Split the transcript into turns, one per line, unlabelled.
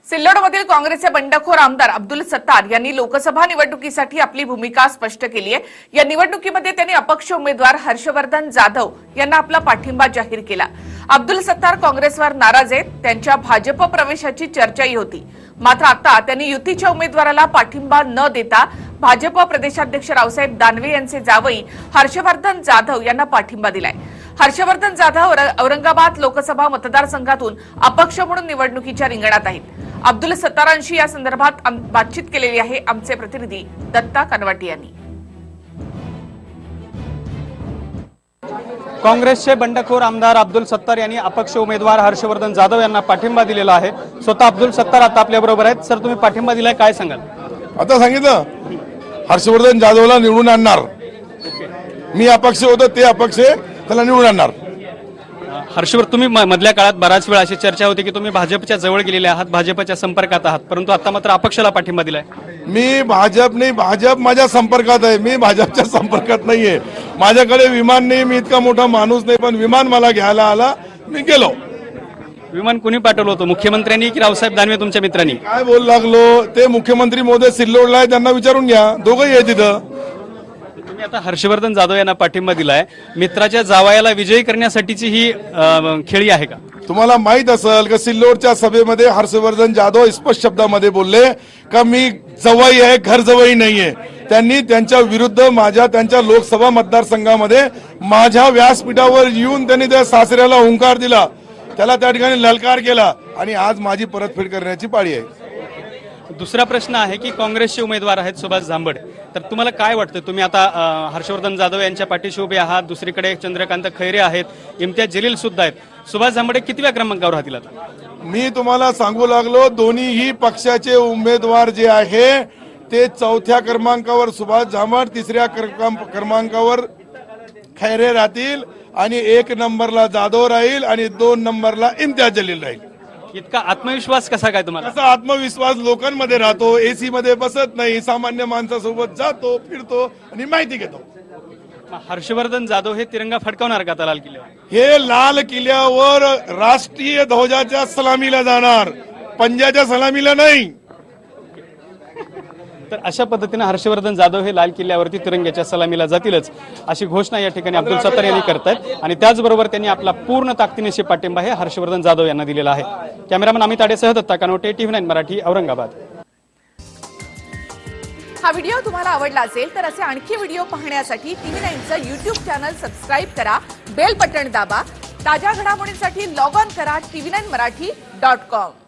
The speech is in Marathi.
सिल्लोडमधील काँग्रेसचे बंडखोर आमदार अब्दुल सत्तार यांनी लोकसभा निवडणुकीसाठी आपली भूमिका स्पष्ट केली आहे। या निवडणुकीमध्ये त्यांनी अपक्ष उमेदवार हर्षवर्धन जाधव यांना आपला पाठिंबा जाहीर केला। अब्दुल सत्तार काँग्रेसवर नाराज आहेत, त्यांच्या भाजप प्रवेशाची चर्चाही होती। मात्र आता त्यांनी युतीच्या उमेदवाराला पाठिंबा न देता भाजप प्रदेशाध्यक्ष रावसाहेब दानवे यांचे जावई हर्षवर्धन जाधव यांना पाठिंबा दिलाय। हर्षवर्धन जाधव औरंगाबाद लोकसभा मतदारसंघातून अपक्ष म्हणून निवडणुकीच्या रिंगणात आहेत। अब्दुल सत्तारांशी या संदर्भात बातचीत केलेली आहे आमचे प्रतिनिधी दत्ता कनवाटी यांनी।
काँग्रेसचे बंडखोर आमदार अब्दुल सत्तार यांनी अपक्ष उमेदवार हर्षवर्धन जाधव यांना पाठिंबा दिलेला आहे। स्वतः अब्दुल सत्तार आता आपल्या बरोबर आहेत। सर, तुम्ही पाठिंबा दिलाय, काय सांगाल?
आता सांगितलं हर्षवर्धन जाधवला निवडून आणणार। मी अपक्ष होतो, ते अपक्ष त्याला निवडून आणणार।
हर्षवर्धन, तुम्ही मधल्या काळात बराच वेळ अशी चर्चा होती की तुम्ही भाजपच्या जवळ गेलेले आहात, भाजपच्या संपर्कात आहात, परंतु आता मात्र अपक्षाला पाठिंबा दिलाय।
मी भाजप नाही, भाजप माझ्या संपर्कात आहे, मी भाजपच्या संपर्कात नाहीये। माझ्याकडे विमान नाही, मी इतका मोठा माणूस नाही, पण विमान मला घ्यायला आला, मी गेलो।
विमान कुणी पाठवलं होतं, मुख्यमंत्र्यांनी की रावसाहेब दानवे तुमच्या मित्रांनी?
काय बोल लागलो ते मुख्यमंत्री महोदय सिल्लोडला आहे, त्यांना विचारून घ्या, दोघंही आहे तिथं।
तुम्ही आता हर्षवर्धन जाधव यांना पाठिंबा दिलाय, मित्राच्या जावयाला विजयी करण्यासाठीची ही खेळी आहे का?
तुम्हाला माहित असेल की सिल्लोडच्या सभेमध्ये हर्षवर्धन जाधव स्पष्ट शब्दामध्ये बोलले का मी जवाई आहे, घर जवाई नाहीये। त्यांनी त्यांच्या विरुद्ध त्यांच्या लोकसभा मतदारसंघामध्ये माझ्या व्यासपीठावर येऊन त्यांनी त्या सासऱ्याला हुंकार दिला, त्याला त्या ठिकाणी ललकार केला, आणि आज माझी परतफेड करण्याची पाळी आहे।
दुसरा प्रश्न आहे की काँग्रेसचे उमेदवार आहेत सुभाष झांबड, तर तुम्हाला काय वाटतं? तुम्ही आता हर्षवर्धन जाधव यांच्या पाठीशी उभे आहात, दुसरीकडे चंद्रकांत खैरे आहेत, इम्तियाज जलील सुद्धा आहेत, सुभाष झांबड कितव्या क्रमांकावर राहतील? आता
मी तुम्हाला सांगू लागलो, दोन्हीही पक्षाचे उमेदवार जे आहे ते चौथ्या क्रमांकावर सुभाष झांबड, तिसऱ्या क्रमांकावर खैरे राहतील, आणि 1 नंबरला जाधव राहील, आणि 2 नंबरला इम्तियाज जलील राहील।
इतका आत्मविश्वास कसा काय तुम्हाला?
कसा आत्मविश्वास? लोकांमध्ये राहतो, एसी मध्ये बसत नाही, सामान्य माणसासोबत जातो, फिरतो आणि माहिती घेतो।
हर्षवर्धन जाधव हे तिरंगा फडकवणार का आता लाल किल्ल्यावर?
हे लाल किल्ल्यावर राष्ट्रीय ध्वजाच्या सलामीला जाणार, पंजाच्या सलामीला नाही।
तर अशा पद्धतीने हर्षवर्धन जाधव हे लाल किल्ल्यावरती तिरंग्याच्या सलामीला जातीलच, अशी घोषणा या ठिकाणी अब्दुल सत्तार यांनी करतायत, आणि त्याचबरोबर त्यांनी आपला पूर्ण ताकदीनिशी पाठिंबा हे हर्षवर्धन जाधव यांना दिलेला आहे। कॅमेरामन अमित आडेसह दत्ता कानोटे, TV9 मराठी, औरंगाबाद।
हा व्हिडिओ तुम्हाला आवडला असेल तर असे आणखी व्हिडिओ पाहण्यासाठी TV9चं YouTube चॅनल सबस्क्राईब करा, बेल बटन दाबा, ताज्या घडामोडींसाठी लॉग ऑन करा TV9marathi.com।